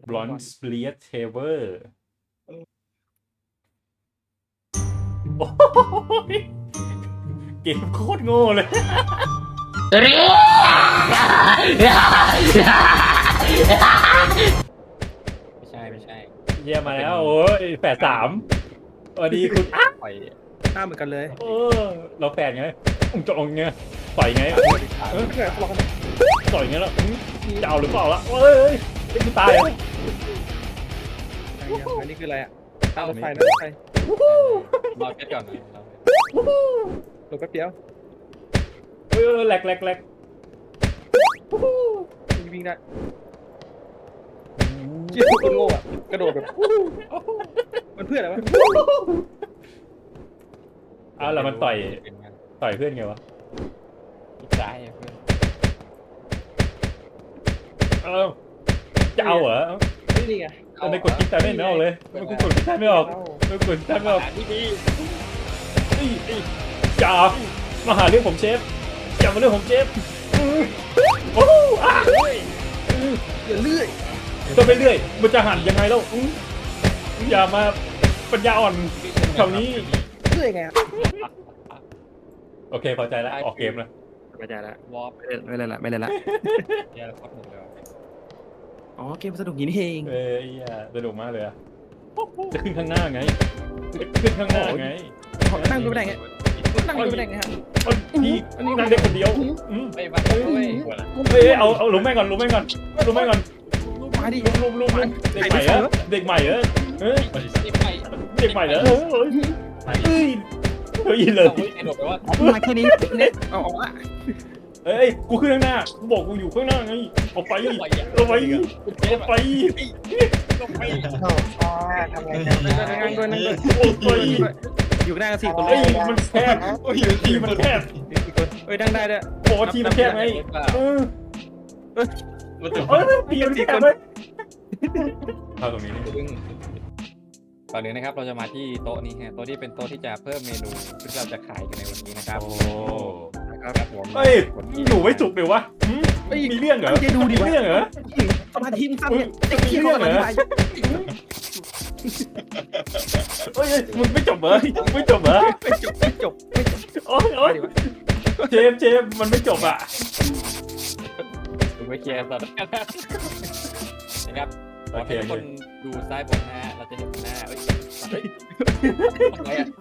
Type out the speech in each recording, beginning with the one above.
บลอนส์เลียเทเวอร์เกมโคตรโง่เลยไม่ใช่เยี่ยมมาแล้วโอ้ย83สวัสดีคุณอ่ะปล่อยข้ามเหมือนกันเลยเราแปดไงจะลงไงต่อยไงไม่เคยทะเลาะกันต่อยไงแล้วจะเอาหรือเปล่าล่ะเอ้ยไม่ตายอ่ะอันนี้คืออะไรอ่ะตามรถไฟนะรถไฟรอเพชรก่อนนะรถแป๊บเดียวแหลกวิ่งได้เชี่ยคนโง่อ่ะกระโดดแบบมันเพื่ออะไรวะแล้วมันต่อยเพื่อนไงวะอีกซ้ายเพื่อนจะเอาเหรอนี่ไงไม่กดคิดใจไม่ออกเลยไม่กดคิดใจไม่ออกไม่กดคิดใจไม่ออกที่ดีอย่ามาหาเรื่องผมเชฟอย่ามาเรื่องผมเชฟโอ้อ่ะอย่าเลื่อยก็ไปเรื่อยมันจะหันยังไงแล้วอย่ามาปัญญาอ่อนแถวนี้เลื่อยไงโอเคพอใจแล้วออกเกมแล้วไม่ได้ละวอล์ปไม่เล่นละไม่เล่นละเดี๋ยวพักหนึ่งเลยอ๋อเกมสนุกอย่างนี้เองสนุกมากเลยอะจะขึ้นข้างหน้าไงขึ้นข้างหน้าไงนั่งดูไม่ได้ไงนั่งดูไม่ได้ไงฮะพี่นั่งได้คนเดียวไม่มาด้วยเอาลุมแม่งก่อนลุมแม่งก่อนมาดิลุมเด็กใหม่เหรอเด็กใหม่เหรอเฮ้ยไม่ไปเด็กใหม่เหรอเฮ้ยเลยไอ้หนุ่มแปลว่ามาแค่นี้เนี่ยเอาออกละเอ้ยกูขึ้นข้างหน้ากูบอกกูอยู่ข้างหน้าไงออกไปออกไปออกไปลงไปทำไงนั่งด้วยนั่งด้วยออกไปอยู่หน้ากัน4 คนเลเฮ้ยยมันแคบทีมันแคบนั่งได้ด้วยบอกว่าทีมันแคบไงมันถึงทีมันแคบเลยเข้าตรงนี้นี่ก่อนอื่นนะครับเราจะมาที่โต๊ะนี้ฮะโต๊ะที่เป็นโต๊ะที่จะเพิ่มเมนูที่เราจะขายกันในวันนี้นะครับโอ้ครับผมเฮ้ยอยู่ไม่จุกเลยวะมีเรื่องเหรอจะดูดิมีเรื่องเหรอสมาธิมึงสั้นเนี่ยไอ้เขี้ยวมันไปเฮ้ยมึงไม่จบเหรอไม่จบเหรอไม่จบโอ้ยเจมมันไม่จบอ่ะดูไม่เคลียร์ตอนนะครับโอเคทุกคนดูซ้ายบนนะฮะเราจะเห็นหน้าอะไรอ่ะ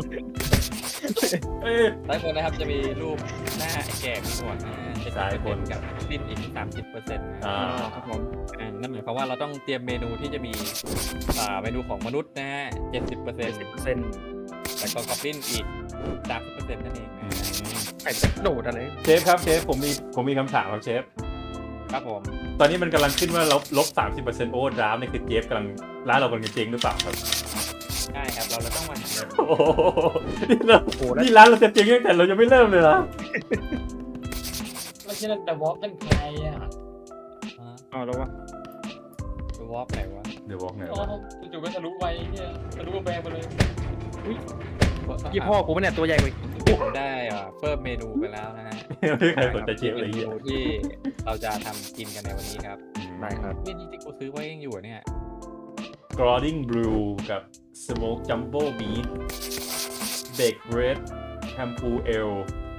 ซ้ายบนนะครับจะมีรูปหน้าไอ้แก่มีหนวดนะซ้ายบนกับสิ้นอีก 30%นะครับผมนั่นหมายความว่าเราต้องเตรียมเมนูที่จะมีเมนูของมนุษย์นะฮะ 70% แล้วก็กอบลินอีก 30%นั่นเองนะไอ้โดดอะไรเชฟครับเชฟผมมีคำถามครับเชฟครับผมตอนนี้มันกำลังขึ้นว่าลบ 30% โอเวอร์ดราฟต์นี่คือเจฟกำลังร้านเรากำลังจะเจ๊งหรือเปล่าครับใช่ครับเราต้องมาโอ้โหนี่ร้านเราจะเจ๊งตั้งแต่เรายังไม่เริ่มเลยเหรอไม่ใช่แต่วอล์กเป็นใครอ่ะอ๋อแล้ววะวอล์กไหนวะเดี๋ยวบอกหน่อยอ๋อจู่ๆก็ทะลุไปเนี่ยทะลุกำแพงไปเลยยี่พ่อกูเนี่ยตัวใหญ่กว่าผมได้เพิ่มเมนูไปแล้วนะฮะไม่มีใครสนใจเชฟเมเลยนูที่เราจะทำกินกันในวันนี้ครับได้ครับนี่ที่กูซื้อไว้ยังอยู่เนี่ยกรอดิ้งบลูกับสโมกจัมโบ้บีฟเบคเรดแฮมพูเอล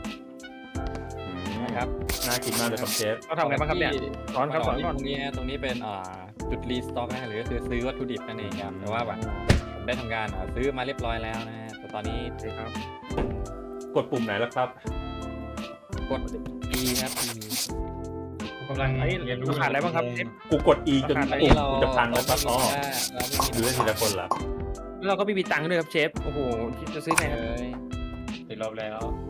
นะครับน่ากินมากเลยครับเชฟเราทำไงบ้างครับเนี่ยสอนครับสอนก่อนตรงนี้ตรงนี้เป็นจุดรีสต็อกนะหรือก็คือซื้อวัตถุดิบนั่นเองครับแต่ว่าแบบผมได้ทำการซื้อมาเรียบร้อยแล้วนะฮะแต่ตอนนี้ครับกดปุ่มไหนแล้วครับกด E ครับ E กำลังไอ้เรียนรู้ขาดอะไรบ้างครับกูกด E จนตอนปุ่นี้มเรากูจะพังแล้วครับอ๋อเราไม่ดูมีได้ทีละคนเหรอแล้วเราก็ไม่มีตังค์ด้วยครับเชฟโอ้โหจะซื้อไงเลครับยติดลบแล้ว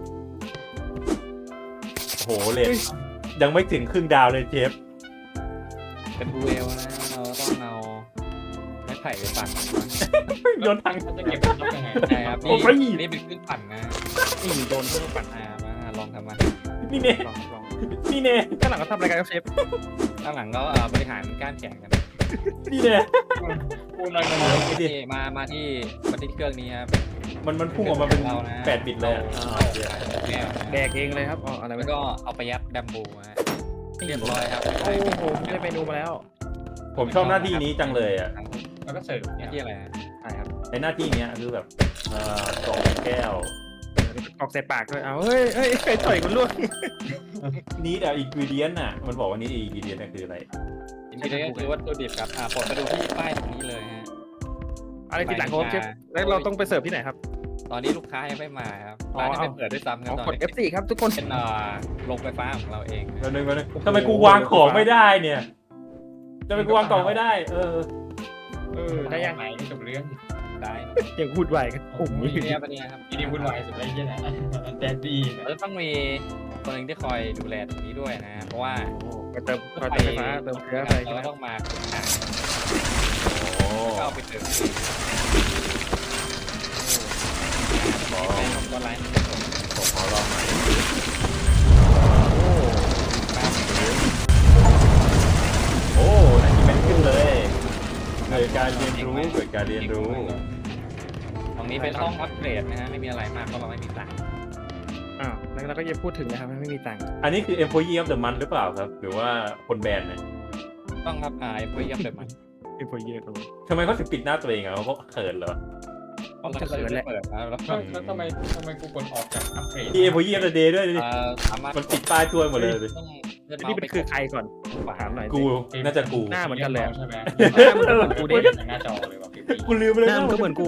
โอ้โหเลทยังไม่ถึงครึ่งดาวเลยเชฟเป็นบูเอลนะเราต้องเอาไม้ไผ่ไปปั่นโยนทังมันจะเก็บลบยังไงใช่ครับโอ้ยนี่เป็นเครื่องปั่นนะนี่โดนทุกปั่นมาลองทำมานี่เน่ลองนี่เน่ข้างหลังเขาทำอะไรกันครับเชฟข้างหลังก็บริหารก้านแข็งกันนี่เน่พูดอะไรกันเลยนี่มาที่เครื่องนี้ครับมันพุ่งออกมาเป็น8 บิตเลยอ่ะแก้วแดกเองเลยครับอ๋ออะไรแล้วไม่ก็เอาไปยัดดัมบูฮะเรียบร้อยครับโอ้โหได้เมนูมาแล้วผมชอบหน้าที่นี้จังเลยอ่ะแล้วก็เสิร์ฟหน้าที่อะไรฮะใช่ครับไอหน้าที่เนี้ยคือแบบกรอกแก้วออกใส่ปากด้วยเอาเฮ้ยใครต่อยกูล่วงนี้แต่อินกิเดียนน่ะมันบอกว่านี้อินกิเดียนน่ะคืออะไรอินกิเดียนคือวัตถุดิบครับปลดไปดูที่ป้ายตรงนี้เลยฮะอะไรติดหลังครับเชฟแล้วเราต้องไปเสิร์ฟที่ไหนครับตอนนี้ลูกค้ายังไม่มาครับร้านยังไม่เปิดด้วยซ้ำครับตอนกดนี้ F4 ครับทุกคนเป็นโรงไฟฟ้าของเราเองแป๊บนึงทำไมกูวางของไม่ได้เนี่ยทำไมกูวางของไม่ได้ได้ยังไหนจบเรื่องได้ยังพูดไหวกันผมมีเนี่ยปะเนี่ยครับอีนี่วุ่นวายสุดเลยเนี่ยนะแดดดี้เราจะต้องมีคนหนึ่งที่คอยดูแลตรงนี้ด้วยนะเพราะว่ามาเติมไฟฟ้าเติมเชื้อไฟใช่ไหมเราต้องมาขุดหาโอ้ก็เอาไปเติมเป็นของตัวไลน์ผมขอลองหน่อยโอ้อันนี้แม่นขึ้นเลยเกิดการเรียนรู้เกิดการเรียนรู้ตรงนี้เป็นห้องอัปเกรดนะฮะไม่มีอะไรมากเพราะเราไม่มีตังค์อ้าวแล้วเราก็จะพูดถึงนะครับไม่มีตังค์อันนี้คือ employee of the month หรือเปล่าครับ หรือว่าคนแบรนด์เนี่ยต้องครับเพื่อเยี่ยมเดิมมันเอ็มโฟเยอร์ตัวทำไมเขาถึงปิดหน้าตัวเองอ่ะเขาเขินเหรอต้องจะเขินแหละเปิดนะแล้วแล้วทำไมกูกดออกจากอัปเกรดที่ employee of the day ด้วยดิสามารถมันปิดป้ายตัวหมดเลยดิต้องเลื่อนนี่เมาส์เป็นคือใครก่อนถามหน่อยกูน่าจะกูหน้าเหมือนกันเลยใช่ไหมกูกูดิได้หน้าจอเลยว่ะพี่กูลืมไปเลยหน้ามันก็เหมือนกู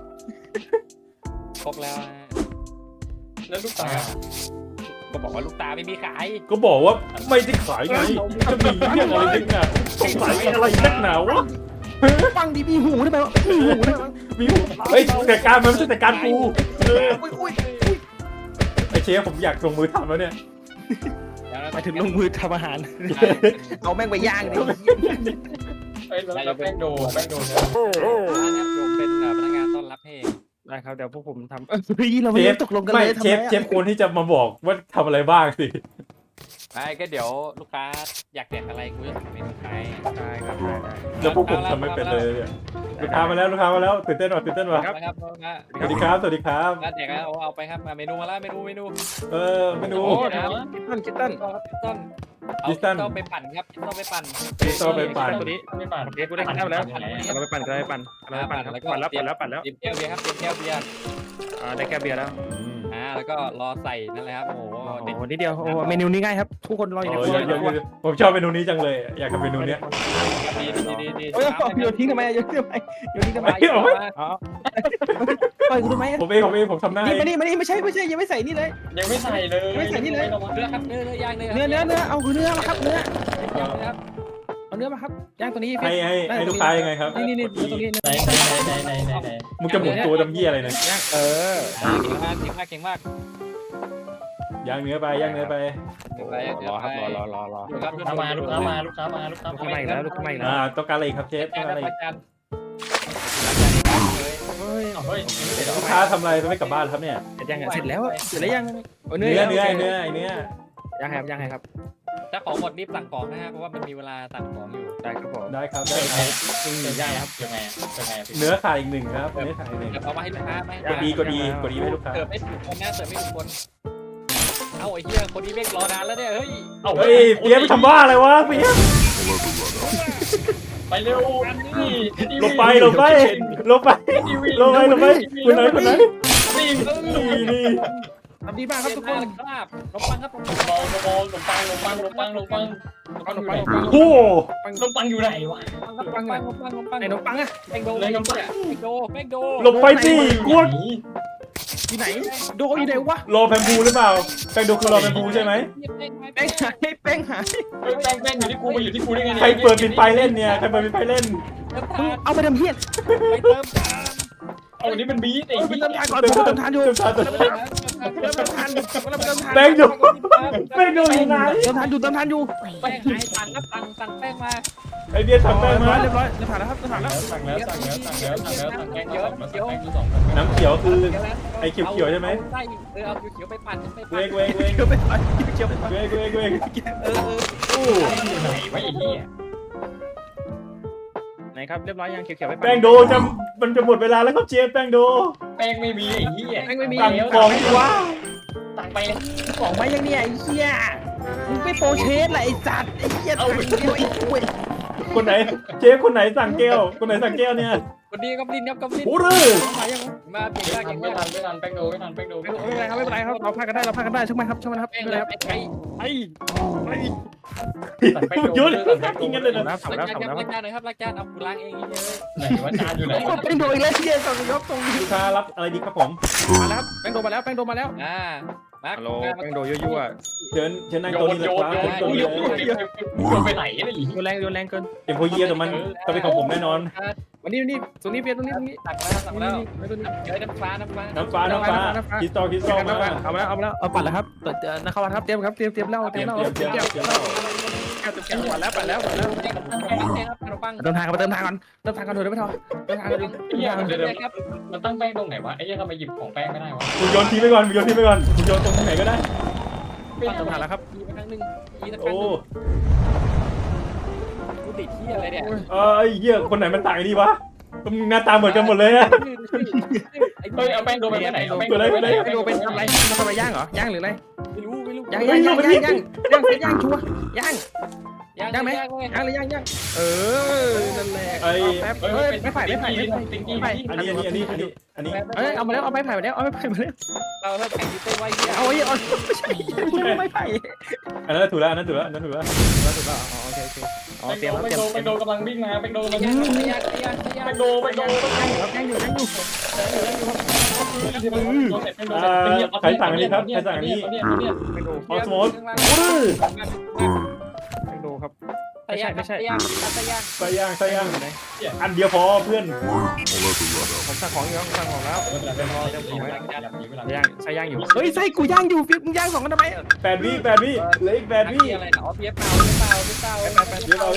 ครบแล้วแล้วลูกตาก็บอกว่าลูกตาไม่มีขายก็บอกว่าไม่ได้ขายไงจะมีเรื่องอะไรกันอ่ะสงสัยอะไรนักหนาวะฟังดีมีหูได้ไหมมีหูได้ไหมมีหูเฮ้ยแต่การมันไม่ใช่แต่การกูอุ้ยไอเชฟผมอยากลงมือทำแล้วเนี่ยหมายถึงลงมือทำอาหารเอาแม่งไปย่างดิเอ้ยแล้วแป้งโดเนี่ยผมเป็นพนักงานต้อนรับให้ได้ครับเดี๋ยวพวกผมทำเฮ้ยเราไม่ได้ตกลงกันไม่เลยเชฟควรที่จะมาบอกว่าทำอะไรบ้างสิไม่ก็เดี๋ยวลูกค้าอยากแดกอะไรกูจะสั่งเมนูไทยได้ครับได้แล้วพวกผมทำไม่เป็นเลยเนี่ยลูกค้ามาแล้วตื่นเต้นว่ะครับครับสวัสดีครับแล้วแดกแล้วเอาไปครับมาเมนูมาแล้วเมนูเมนูโอ้คิตตันต้นเอาต้องไปปั่นครับต้องไปปั่นพี่โซไปปั่นตัวนี้ไม่ปั่นโอเคกูได้กินแล้วเราไปปั่นเราไปปั่นแล้วเตรียมแก้วเบียร์ครับเตรียมแก้วเบียร์ได้แก้วเบียร์แล้วแล้วก็รอใส่นั่นแหละครับโอ้โหโอ้นิดเดียวโอ้เมนูนี้ง่ายครับทุกคนรออยู่ในครัวผมชอบเมนูนี้จังเลย อยากทำเมนูเนี้ยดีโอ้ยโยนทิ้งทำไมโยนทิ้งทำไมอ๋อปล่อยกูทำไมผมทำหน้านี่มานี่ไม่ใช่ยังไม่ใส่นี่เลยยังไม่ใส่เลยเนื้อครับเนื้อย่างเลยเนื้อเอาเนื้อมาครับเนื้อครับเอาเนื้อมาครับย่างตัวนี้ให้ลูกค้ายังไงครับนี่ตรงนี้ไหนมึงจะหมุนตัวดำเยี่ยอะไรเนี่ยย่างเก่งมากย่างเนื้อไปรอครับรอครับลูกค้ามาลูกค้ามาลูกค้าใหม่แล้วลูกค้าใหม่แล้วต้องการอะไรครับเชฟต้องการอะไรเฮ้ยเฮ้ยลูกค้าทำอะไรไม่กลับบ้านครับเนี่ยย่างเสร็จแล้วยังเนื้อย่างครับถ้าของหมดรีบสั่งของนะฮะเพราะว่ามันมีเวลาสั่งของอยู่ได้ครับผมได้ครับย่างครับยังไงเนื้อขาดอีกหนึ่งครับเนื้อขาดอีกหนึ่งเดี๋ยวเอามาให้ลูกค้าไหมกดดีให้ลูกค้าเสิร์ฟไม่ถูกคนนะเสิร์ฟไม่ถูกคนเอ้าไอ้เหี้ยคนนี้เมฆรอนานแล้วเนี่ยเฮ้ยเฮ้ยเปี๊ยกทำบ้าอะไรวะเปี๊ยกไปเร็วลงไปคุณไหนนี่ทำดีมากครับทุกคนครับลงปังครับโอ้ลงปังอยู่ไหนวะไอ้นมปังอะแป้งโดหลบไปสิกวดที่ไหนโดอยู่ไหนวะรอแพมพูหรือเปล่าแป้งดูคือรอแพมพูใช่ไหมแป้งหายแป้งอยู่ที่กูมาอยู่ที่กูได้ไงใครเปิดปิดไฟเล่นเนี่ยใครเปิดปิดไฟเล่นมึงเอาไปทำเฮี้ยไปเติมเอาอันนี้เป็นบีไอ้ไปบีเติมทานก่อนผมเติมทานอยู่แป้งดูอยู่ไหนเติมทานอยู่แป้งหายสั่งครับสั่งแป้งมาไอเดียทำแป้งมาเรียบร้อยผ่านแล้วครับผ่านแล้วสั่งแล้วแกงเยอะ2 น้ำเขียวคือไอเขียวใช่ไหมใช่เอาเขียวไปปั่นไปเวปั่นกเขียวไปเขียวไปอู้ไหนวะไอ้เหี้ยไหนครับเรียบร้อยยังเขียวไปแป้งโดมันจะหมดเวลาแล้วครับเชฟแป้งโดแป้งไม่มีไอ้เหี้ยไม่มีสั่งของดีว่าสั่งไปของมายังเนี่ยไอ้เหี้ยมึงไปโปรเชสแหละไอ้จัดไอ้เหี้ยทางเดียวไอ้คุยคนไหนเชฟคนไหนสั่งแก้วคนไหนสั่งแก้วเนี่ยวันนี้กอบลินครับกอบลินโอ้ยมายังมาเก่งมากเก่งไม่มากทันแป้งโดไม่ทันไม่เป็นไรครับไม่เป็นไรครับเราพากันได้ช่างมันครับช่างมันครับแป้งไม่เลเป็นยไรครับไปยุดกินกันเลยนะน้ำล้าสาง น้ำจานครับล้างจานหน่อยครับล้างจานเอากูล้างเองเยอะไหนว่าจานอยู่ไหนแป้งโดอีกแล้วที่เย็นสั่งยกตรงนี้ลูกค้ารับอะไรดีครับผมมาแล้วแป้งโดมาแล้วมาฮัลโหลแป้งโดยั่วเชิญนั่งโต๊ะนี้เลยครับเชิญโต๊ะนี้เลยโยนไปไหนเนี่ยโยนแรงเกินเอ็มโพเยียแต่มันจะเป็นของผมแน่นอนวันนี้ตรงนี้เปียตรงนี้สั่งแล้วเจอน้ำฟ้าน้ำฟ้าคริสตัลมาเอามาแล้วเอาปัดแล้วครับนะครับครับเตรียมครับเตรียมเหล้าปัดแล้วเติมทางก่อนเดี๋ยวไม่ทอเติมทางก่อนครับมันตั้งแป้งตรงไหนวะไอ้ยังทำไมหยิบของแป้งไม่ได้วะมึงโยนทิ้งไปก่อนมึงโยนทิ้งไปก่อนมึงโยนตรงไหนก็ได้เติมทางแล้วครับอีกครั้งหนึ่งอีกครั้งหโอ้นึ่งกูติดที่อะไรเนี่ยไอ้เหี้ยคนไหนมันต่างดีวะมึงหน้าตาเหมือนกันหมดเลยอะเฮ้ยเอาแป้งโดไปไหนเอาแป้งไอ้โดเป็นทำไรมันทำอะไรย่างเหรอย่างหรืออะไรไม่รู้ย่างชัวย่างย่างไหมย่างเลยย่างนั่นแหละแป๊บไม่ไผ่อันนี้เอามาแล้วเอาไม้ไผ่มาแล้วเอาไม้ไผ่มาแล้วเราถ้าแข่งที่เต้ไว้เนี่ยเอาไม้ไผ่อันนั้นถูกแล้วถูกแล้วโอเคอ๋อแป้งเตรียมโดกำลังวิ่งมาแป้งโดกำลังย่าวิ่งงมาย่างแป้งโดย่างอยู่ใครสั่งอันนี้ครับใครสั่งอันนี้ออสโมสไปดูครับใส่ย่างใส่ย่างอันเดียวพอเพื่อนผมสั่งของอยู่สั่งของแล้วย่างใส่ย่างอยู่เฮ้ยใส่กูย่างอยู่ฟิวมึงย่างสองกันทำไม 8 วิเหลืออีก8 วิอะไรนะอ๋อเปี๊ยบเปล่าเบียร์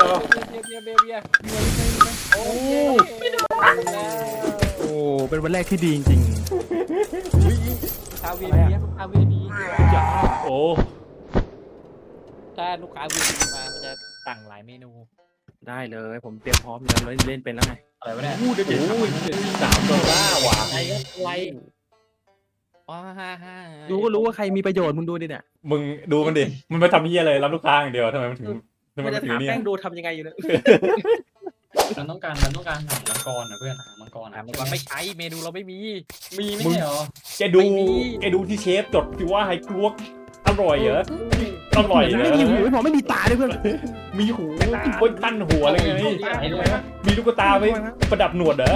โอ้โอ้เป็นวันแรกที่ดีจริงคาเวียดีโอ้ถ้าลูกค้าวีมามันจะสั่งหลายเมนูได้เลยผมเตรียมพร้อมแล้วเล่นเป็นแล้วไงอะไรวะเนี่ยเดี๋ยว3ดอลลาร์ว่ะอะไรอ๋อฮ่าดูก็รู้ว่าใครมีประโยชน์มึงดูดิเนี่ยมึงดูมันดิมันไปทำเหี้ยอะไรรับลูกค้าอย่างเดียวทำไมมันถึงมันจะถามแป้งดูทำยังไงอยู่เนี่ยมันต้องการหามังกรนะเพื่อนหามังกรมันไม่ใช้เมนูเราไม่มีมีไม่ใช่เหรอแกดูที่เชฟจดที่ว่าไฮกลวกอร่อยเหรออร่อยเหรไม่อมีหูไม่พอไม่มีตาด้วยเพื่อนมีหูบนตั้นหัวอะไรไงมีลูกตาไว้ประดับหนวดเหรอ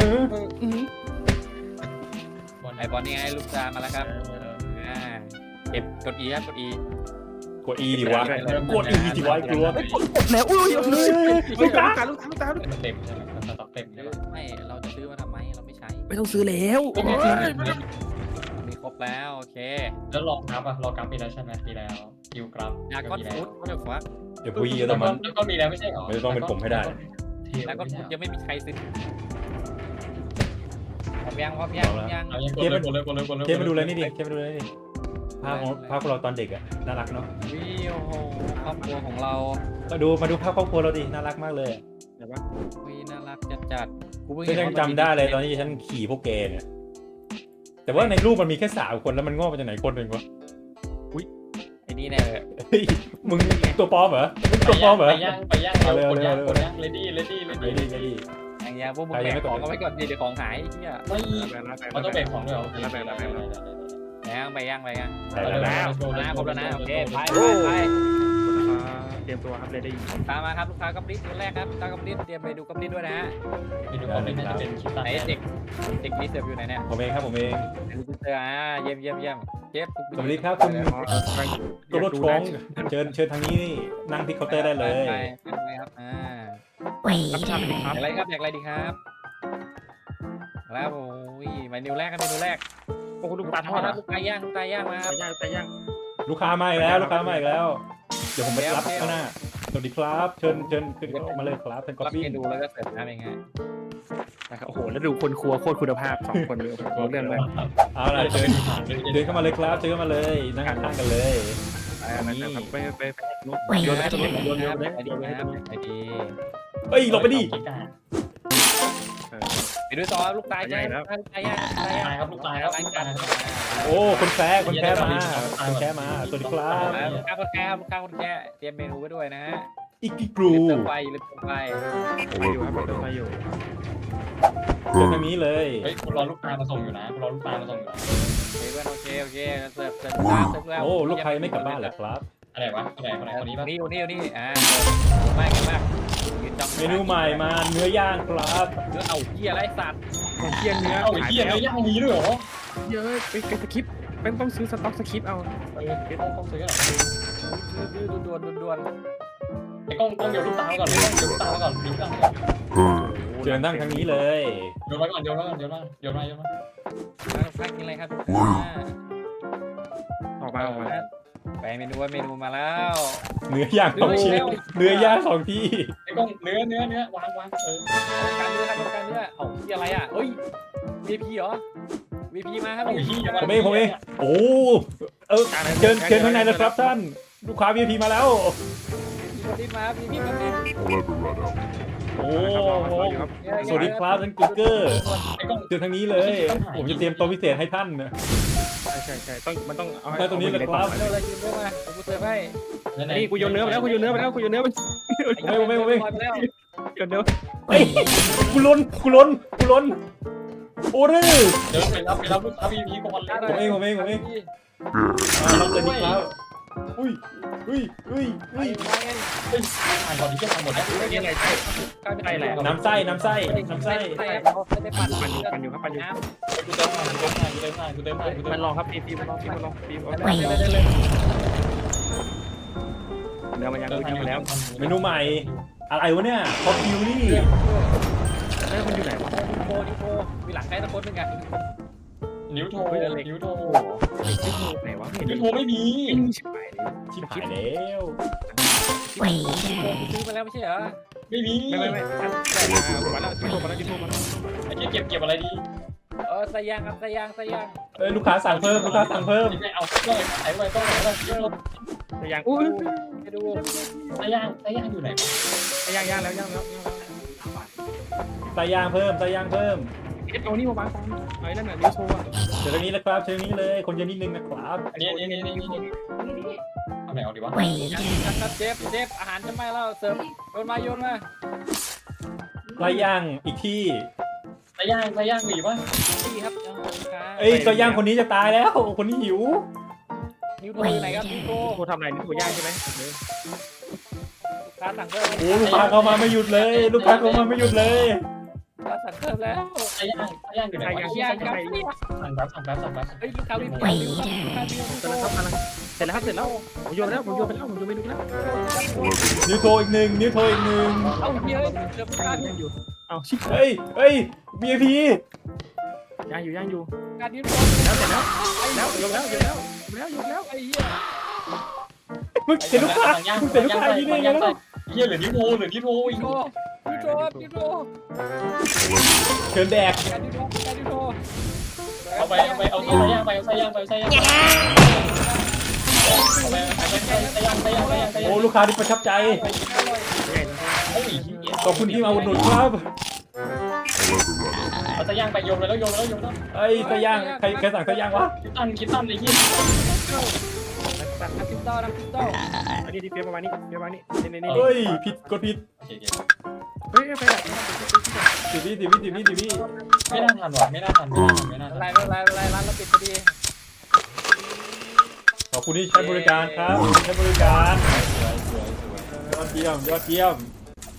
ไอบอลนี่ไงลูกตามาแล้วครับเก็บกด E ครับกด E กด E ดิวะกด E ดิวะกลัวแล้วอุ้ยลูกตาเต็มใช่ไหมสต็อกเต็มใช่ไหมไม่เราจะซื้อมาทำไมเราไม่ใช้ไม่ต้องซื้อแล้วมีครบแล้วโอเคแล้วรอกราฟปีแล้วใช่ไหมปีแล้วคิวกราฟยาก้อนฟูดก็เดี๋ยวฟักเดี๋ยวพูดเยอะแต่มันแล้วก็มีแล้วไม่ใช่เหรอไม่ต้องเป็นผมให้ได้แล้วก็ฟูดยังไม่มีใครซื้อพร้อมยังเอายังกดเลยเทปมาดูเลยนี่ดิเทปมาดูเลยนี่ภาพของเราตอนเด็กอะน่ารักเนาะวิโอโหครอบครัวของเรามาดูภาพครอบครัวเราดิน่ารักมากเลยวิน่ารักจัดกูเพิ่งก็ยังจำได้เลยตอนที่ฉันขี่พวกแกเนี่ยแต่ว่าในรูปมันมีแค่3 คนแล้วมันงอกมาจากไหนคนหนึ่งวะไอ้นี่แน่เลยเฮ้ยมึงตัวปลอมเหรอตัวปลอมเหรอไปย่างเลดี้อย่างพวกมึงแบกของก็ไว้ก่อนดิเดี๋ยวของหายเนี่ยไม่มันต้องแบกของด้วยเหรอไปย่างใช่แล้วครบแล้วนะโอเคไปเตรียมตัวครับเลยได้ตามมาครับลูกค้ากัปลิสคนแรกครับลูกค้ากัปลิสเตรียมไปดูกัปลิสด้วยนะฮะไปดูก่อนน่าจะเป็นคลิปตัดไหนเด็กรีเสิร์ฟอยู่ไหนเนี่ยผมเองครับผมเองรีเสิร์ฟเยี่ยมเชฟสวัสดีครับคุณตัวรถฟ้องเชิญทางนี้นี่นั่งที่เคาน์เตอร์ได้เลยไปครับรับชาเป็นครับอยากอะไรดีครับแล้วโอ้ยเมนูแรกครับเมนูแรกโอ้ลูกตาททออดดนะลูกไก่ย่างมาครับย่างลูกค้ามาอีกแล้วเดี๋ยวผมไปรับข้างหน้าสวัสดีครับเชิญมาเลยครับเป็นก๊อปรับปี้เมนูแล้วก็เสิร์ฟน้ำเองฮะนะครับโอ้โหแล้วดูคนครัวโคตรคุณภาพ2 คนเลยเรื่องเลยเอาล่ะเดินเข้ามาเลยครับเชิญเข้ามาเลยนั่งข้างกันเลยไปโยนให้ตรงนี้โยนไปดีเฮ้ยหลบไปดิไปด้วยต่อลูกตายย่างครับลูกตายครับโอ้คนแพ้มาสวัสดีครับลูกค้าคนแก่เตรียมเมนูไว้ด้วยนะฮะออิกิกรูเติมไฟลืมเติมไฟไปอยู่ครับไปอยู่เจอทางนี้เลยเฮ้ยกูรอลูกตามาส่งอยู่นะกูรอลูกตามาส่งอยู่นะโอเคเพื่อนโอเคเสิร์ฟแล้วโอ้ลูกค้ายังไม่กลับบ้านเหรอครับอะไรวะคนไหนคนนี้ปะนี่มากมากยืนจ้องเมนูใหม่มาเนื้อย่างครับเนื้อเอาเหี้ยไรสัตว์ของเคียงเนื้อเอ้าไอ้เหี้ยเลยย่างนี้ด้วยเหรอเยอะไปสคริปต์เป็นต้องซื้อสต็อกสคริปต์เอาต้องซื้อหรอด่วนไอ้กล้องเดี๋ยวลูกตาก่อนเดี๋ยวลูกตาก่อนเดี๋ยวลูกตาก่อนเจอนั่งทางนี้เลยโยนมาก่อนโยนมาพักกินอะไรครับออกมาไปเมนูมาแล้วเนื้อย่างของชิ้นเนื้อย่างของพี่ไอ้กล้องเนื้อวางการเนื้อเอาที่อะไรอ่ะเฮ้ย VP เหรอ VP มาครับผมเองโอ้เชิญข้างในเลยครับท่านลูกค้า VIP มาแล้ว VP มา VP มาเป็นโอ้สวัสดีครับท่านกุ๊กเกอร์ไอ้กล้องเจอทางนี้เลย ผมจะเตรียมตัวพิเศษให้ท่านนะใช่ต้องมันต้องเอาตรงนี้เลยครับเร็วเลยยืนด้วยมากูเสิร์ฟให้นี่กูโยนเนื้อไปแล้วกูโยนเนื้อไปแล้วไม่โยนเนื้อเฮ้ยกูล้นโอ้รื้อเดินไปรับลูกค้า VIP ก่อนเลยผมเองรับเลยดีครับอุ้ยถ่ายก่อนที่จะทำหมดนะนี่ไงใช่ใช่แหละน้ำไส้ปั่นอยู่ครับปั่นอยู่กูเติมให้มันรอครับปีมันรอปีเนื้อมันยังมาแล้วเมนูใหม่อะไรวะเนี่ยคอฟฟิวรี่มันอยู่ไหนวะโนิโคมีหลังใครตะคนหนึ่งอ่ะนิ้วโทไหนวะนิ้วโทไม่มีชิบหายชิบหายแล้วซื้อมาแล้วไม่ใช่เหรอไม่มีไม่มาแล้วที่โทรมาไอ้เก็บอะไรดีใส่ยางครับใส่ยางลูกค้าสั่งเพิ่มเอาเลยไอ้ไว้ต้องไหนแต่ยังอุ้ยไปดูไส้ย่างอยู่ไหนย่างแล้วใส่ย่างเพิ่มเอานี่มาวางตามไอ้นั่นน่ะนิ้วโชว์เจอทางนี้เลยครับเจอทางนี้เลยคนเยอะนิดนึงนะครับอันนี้เอาไหนเอาดีวะครับเจฟอาหารจะไม่แล้วเสริมโยนมาไส้ย่างอีกที่ไส้ย่างมีปะพี่ครับเอ้ยไส้ย่างคนนี้จะตายแล้วคนนี้หิวนิ้วโทรไหนครับนิ้วโทรโทรทำอะไรนี่โทรย่างใช่ไหมการสั่งเพิ่มโอ้ลูกค้าเข้ามาไม่หยุดเลยการสั่งเพิ่มแล้วไส้ย่างอยู่ไหนย่างครับสั่งแป๊บเฮ้ยลูกค้าวิ่งเสร็จแล้วผมโยนไปแล้วไม่ดูแล้วนิ้วโทรอีกหนึ่งเอาเยอะเกือบการย่างอยู่เอาชิบเฮ้ย VIP ย่างอยู่การนิ้วแล้วเสร็จแล้วยกแล้วไอ้เหี้ยมึงเห็นลูกค้ายิงได้ไงแล้วเฮียเหลือนิ้วโทอีกนิ้วโทเชิญแดกการนิ้วโทเอาไส้ย่างไปโอ้ลูกค้าที่ประทับใจขอบคุณที่มาอุดหนุนครับเอาไส้ย่างไปโยนแล้วไอ้ไส้ย่างใครสั่งไส้ย่างวะคิดตันไอ้เหี้ยน้ำพริกเต้าอันนี้ที่เปียประมาณนี้นี่เฮ้ยผิดกดผิดเฮ้ยไปดับสิบวิไม่น่าทันว่ะไม่น่าทันอะไรร้านเราปิดพอดีขอบคุณที่ใช้บริการครับใช้บริการยอดเยี่ยมเยี่ยม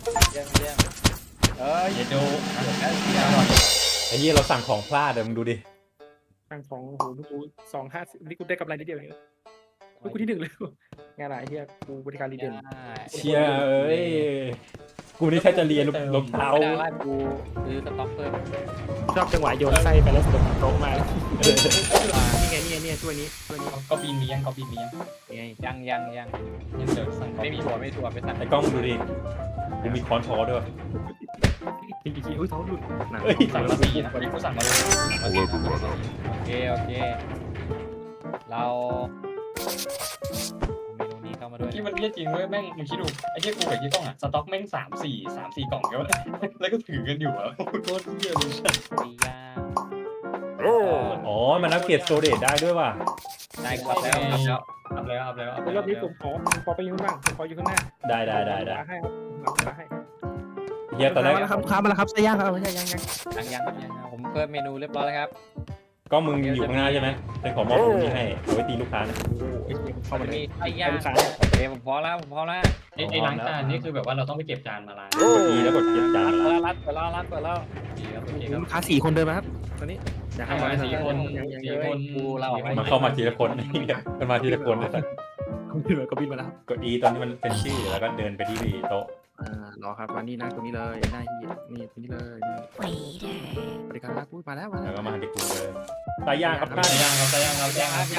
อย่าดูไอ้เหี้ยเราสั่งของพลาดเลยมึงดูดิตั้งของโอ้โหลูกกู250นี่กูได้กำไรนิดเดียวเองลูกกูที่1เลยงานอะไรเฮียกูบริการรีเดนเชียเอ้ยกูนี่แค่จะเรียนรองเท้าไม่ได้กูซื้อสต็อกเพิ่มชอบจังหวะโยนไส้ไปแล้วสะดุดโต๊ะมานี่ไงช่วยนี้ก็ปีนนี้ยังยังยังเดินสั่งไม่มีถั่วไปสั่งไอ้กล้องมึงดูดิกูมีค้อนทอด้วยจริงอุ้ยท้องหลุดเฮ้ยสั่งมา4นะกูสั่งมาเลยโอเคเราเมนูนี้เข้ามาด้วยที่มันเรียกจริงเว้ยแม่งมึงคิดดูไอ้เหี้ยกูกับยี่ต้องอ่ะสต็อกแม่ง3-4กล่องแล้วแล้วก็ถือกันอยู่อ่ะโคตรเหี้ยเลยปีย่างอ๋อมันอัปเกรดสโตเรจได้ด้วยว่ะได้ครับแล้วอัพแล้วอัพแล้วอัพรอบนี้ผมขอไปอยู่ข้างล่างผมขออยู่ข้างหน้าได้ให้ครับมาให้เฮียตอนแรกมาแล้วครับค้ามาแล้วครับใส่ย่างครับยังยังผมเพิ่มเมนูเรียบร้อยแล้วครับก็มึงอยู่ข้างหน้าใช่ไหมเป็นของมอบตรงนี้ให้เอาไว้ตีลูกค้านะเข้ามาจะเลมียไส้ย่างโอเคผมพอแล้วไอ้ล้างจานนี่คือแบบว่าเราต้องไปเก็บจานมาล้างกด E แล้วกดเก็บจานรัดเปิดแล้วดีครับโอเคครับลูกค้า4 คนเดินมาครับตอนนี้อยากให้มา 4 คน 4 คนมันเข้ามาทีละคนมันมาทีละคนเลยคุณพี่ก็บินมาแล้วกด E ตอนนี้มันเป็นชื่อแล้วก็เดินไปที่โต๊ะรอครับมานี่นะตรงนี้เลยหน้าเฮียนี่ตรงนี้เลยนี่บริการรับพูดมาแล้วแล้วก็มาที่กูเลยตายย่างครับใส่ย่างครับใส่ย่างครับย่างครับ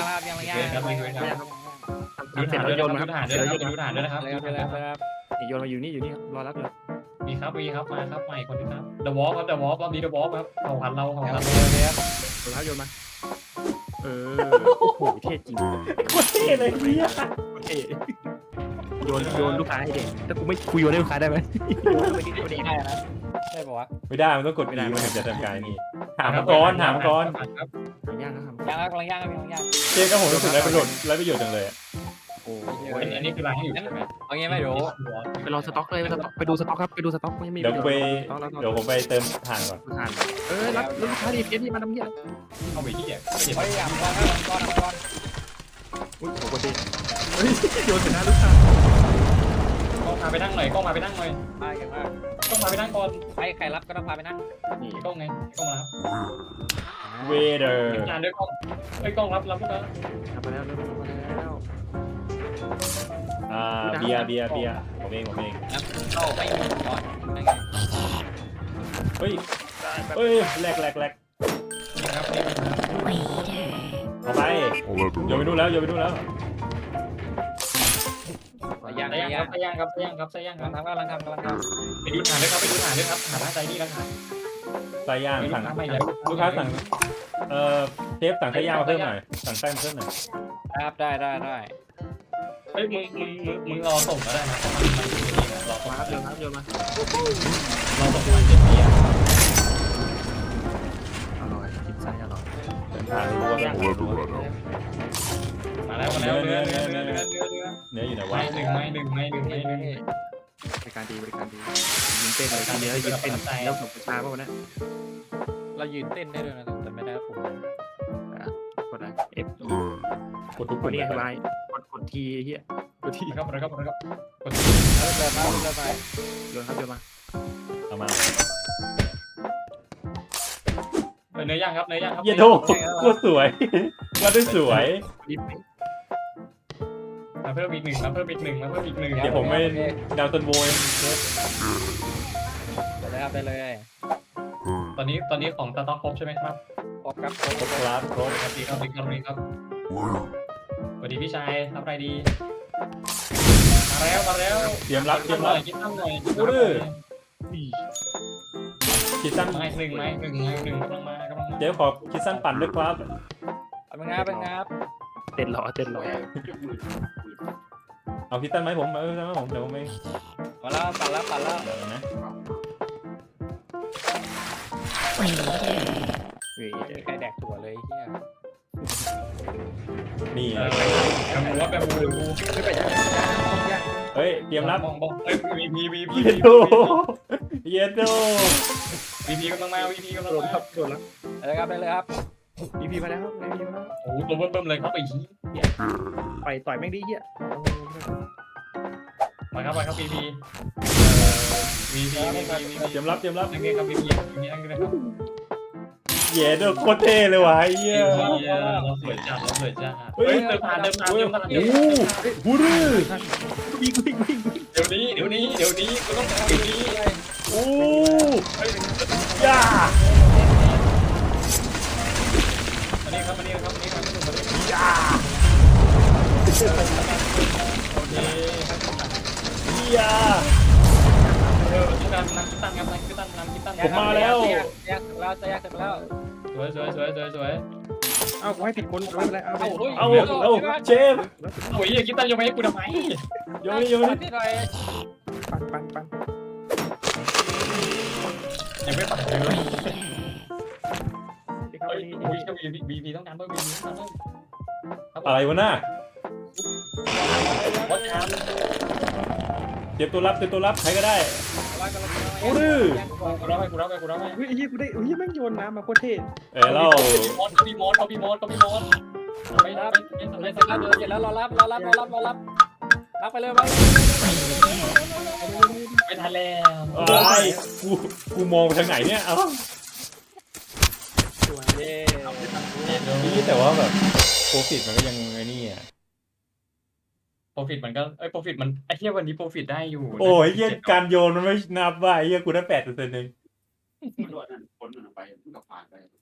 นี่เสร็จแล้วโยนมาครับฐานด้วยนะครับดูฐานด้วยนะครับนี่โยนมาอยู่นี่ครับรอรับเลยมีครับมาครับใหม่คนนึงครับ The Walk ครับ The Walk รอบนี้ The Walk ครับเผ่าพันธุ์เราโยนมาโอ้โหเท่จริงโคตรเท่เลยเฮียเท่โยนลูกค้าให้เด็กถ้ากูไม่คุยโยนให้ลูกค้าได้ไหมโยนไปที่ตัวเองได้นะได้ปะวะไม่ได้มันต้องกด E มันถึงจะทำการนี่ถามก่อนย่างครับย่างกำลังย่างเจ๊ก็ผมรู้สึกไรประโยชน์จังเลยโอ้อันนี้คือล้างอยู่ใช่ไหมเอางี้ไหมเดี๋ยวไปรอสต็อกเลยไปดูสต็อกครับไปดูสต็อกไม่มีเดี๋ยวผมไปเติมถ่านก่อนทานรับลูกค้าดีเฟสที่มาทำเหี้ยเข้าไปที่เก็บพยายามก่อนอุ้ยโอ้โหดีโยนเสร็จแล้วลูกค้ากล้องมาไปนั่งหน่อยกล้องมาไปนั่งหน่อยมาอย่างมากกล้องมาไปนั่งก่อนใครรับก็ต้องพาไปนั่งนี่กล้องไงกล้องมาเวเดอร์เก็บจานด้วยกล้องไอ้กล้องรับลูกค้าทำมาแล้วเริ่มมาแล้วเบียร์ผมเองเข้าไม่มีก่อนนั่นไงเฮ้ยแหลกนี่ครับนี่ครับเอาไปโยนไปนู่นแล้วย่างใส่ย่างครับใส่ย่างครับใส่ย่างครับกำลังทำไปดูฐานด้วยครับไปดูฐานด้วยครับฐานหน้าใจนี่แล้วครับไส้ย่างสั่งไม่แล้วลูกค้าสั่งเชฟสั่งไส้ย่างมาเพิ่มหน่อยสั่งไส้มาเพิ่มหน่อยครับได้เฮ้ยมึงรอส่งก็ได้นะเพราะมันอยู่นี่นะรอส่งมาครับโยนมารอส่งมันเจ็ดปีอะอร่อยกินไส้อร่อยเดินทางรู้ว่ามาแล้วเนื้อเนื้ออยู่ไหนไม่วะหนึ่งบริการดียิงเต้นเลยทีเดียวยิงเต้นแล้วส่งประชาป่ะวันนี้เรายืนเต้นได้ด้วยนะแต่ไม่ได้ผมกดอะไร F กดทุกกปุ่ดมนี่เลยสบายกดทีเฮียกดทีครับกดเดินมาโยนครับโยนมาเอามาเนื้อย่างครับเยี่ยโดโคตรสวยมาได้สวยรีบมาเพิ่มอีกหนึ่งเดี๋ยวผมไม่ดาวตันโวยได้เลยตอนนี้ของสต็อกครบใช่ไหมครับครบครับครบสวัสดีครับสวัสดีพี่ชายทำอะไรดีมาแล้วเตรียมรับกินหน่อยคิดตั้งหน่อยคิดสั้นไม้หนึ่งกำลังมาเดี๋ยวขอคิดสั้นปั่นด้วยครับเป็นงับเต้นหล่อเอาคิดสั้นไหมผมเดี๋ยวผมไม่มาแล้วปั่นแล้วเดี๋ยวนะใครแดกถั่วเลยเฮียนี่แบบบูไม่ไปยังเฮ้ยเตรียมรับมองวีพีเยโดวีพีกำลังมาวีพีกำลังโดนมาครับโดนแล้วได้เลยครับพีมาแล้วพีมาแล้วโอ้โหตัวเบิ่มเลยครับไอ้ชี้ต่อยแม่งดีเฮียมาครับวีพีเตรียมรับนั่งเลยครับวีพีนั่งเลยครับเย้โดโคตรเท่เลยว่ะเฮียเราสวยจัดเฮ้ยเดินผ่านโอ้บูรื้อวิ่งเดี๋ยวนี้กูต้องเดี๋ยวนี้โอ้ย่าอันนี้ครับย่าโอเคย่าตั้งครับตั้งผมมาแล้วแยกเสร็จแล้วสวยเอ้ากูให้ผิดคนไม่เป็นไรเอาเอาเชฟโอ้ยอย่าคิดตั้งยังไม่ให้กูทำไมโยนนี่นิดหน่อยปั่นยังไม่ปัดเลยที่เขาโอ้ยนี่โอ้ยบีพีต้องการเพิ่มบีพีต้องการเพิ่มอะไรวะน่ะปวัดครับเตรียมตัวรับใครก็ได้ โอ้ดื้อกูรับไปกูรับไปกูรับไปเฮ้ยไอ้เหี้ยกูได้เฮ้ยแม่งโยนน้ำมาโคตรเท่เราเขามีมอสไม่รับไม่เสร็จแล้วเสร็จแล้วรอรับรับไปเลยมาไม่ทันแล้วไอ้กูมองไปทางไหนเนี่ยเอ้าเย้นี่แต่ว่าแบบโปรฟิตมันก็ยังไอ้นี่อ่ะโปรฟิตมันก็โปรฟิตมันไอ้เหี้ยวันนี้โปรฟิตได้อยู่โอ้ยเหี้ยการโยนมันไม่นับว่าไอ้เหี้ยกูได้8%เองมันโดนนั่นพ้นมันออกไปมันก็ผ่านไป